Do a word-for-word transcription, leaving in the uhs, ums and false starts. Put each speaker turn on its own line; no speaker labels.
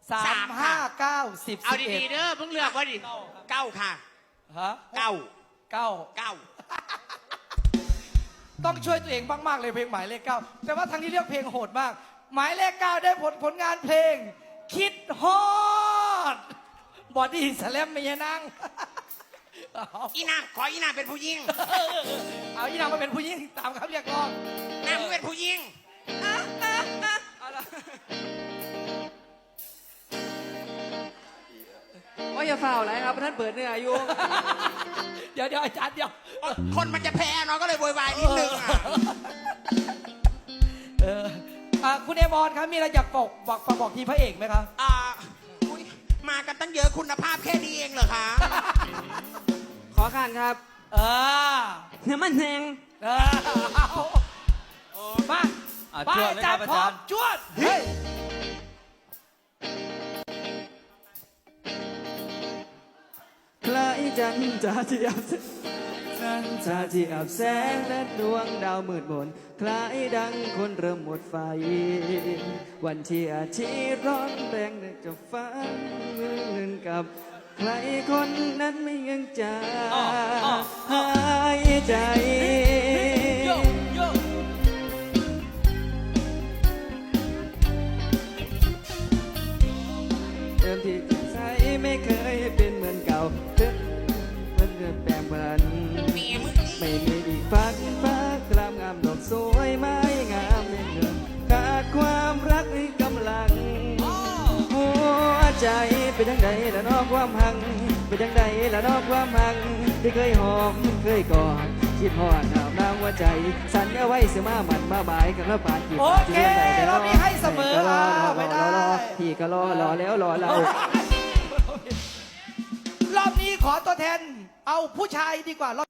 สามห้าเก้าสิบ
เอา
สิบเอ็ด
ดีๆเด้อเพิ่งเลือกว่าดิเก้าค่ะ
ฮะ
เก้า
เก้า
เก้า
ต้องช่วยตัวเองมากๆเลยเพลงหมายเลขเก้าแต่ว่าทางนี้เลือกเพลงโหดมาก หมายเลขเก้าได้ผลผลงานเพลง คิดฮอดบอดี้สแลมไม่ยนั่ง
อีนางขออีนางเป็นผู้ยิง
เอาอีนางมาเป็นผู้หญิงตามคำเรียกร้อง
นางมึงเป็นผู้ยิง
ว่าอย่าฝ่าอะไรครับท่านเปิดเนื้ออยู่
เดี๋ยวเดี๋ยวอาจารย์เดี๋ยว
คนมันจะแพ้เนาะก็เลยโวยวายนิดนึงอ่ะ
เอออ่ะคุณเอมอนครับมีอะไรอยากบอกบอกฝากบอกทีมพระเอกไหมครับ
อ่าอุ๊ยมากันตั้งเยอะคุณภาพแค่นี้เองเหรอคะ
ขอข้านครับ
เออ
น้ำมันแหง
เออเอามา
อ่ะ
ไป
จวด
อา
เลย
จา
ค
ร
รับ
ย์พร้อม
อาจารย์
จวดเฮ้ย
คล้ายจันทร์จะเทียบจันทร์จะเทียบแสงและดวงดาวมืดมนคล้ายดังคนเริ่มหมดไฟ วันที่อาทิตย์ร้อนแรงจะฟ้าเงินกับ ใครคนนั้นไม่ยังจะหายใจ
โยโย
เดิมที่จิตใจไม่เคยเป็นเหมือนเก่าเพิ่งเพิ่งเกิดแปลงผัน
มีมึง
ไม่มีอีกฝักฟ้ากลามงามดอกสวยไม้งามเงินขาดความรักในกำลัง หัวใจเป็นยังไงละนอกความหังเป็นยังไงละนอกความหังที่เคยหอมเคยกอดคิดหอดหนาวน้ำหัวใจ สัญญาไว้เสมาหมันมาบายกันแล้วปานกี่
โอเครอบนี้ให้เสมออ่ะไม่ได้
พี่ก็รอรอแล้วรอเรา
รอบนี้ขอตัวแทน เอาผู้ชายดีกว่ารอบ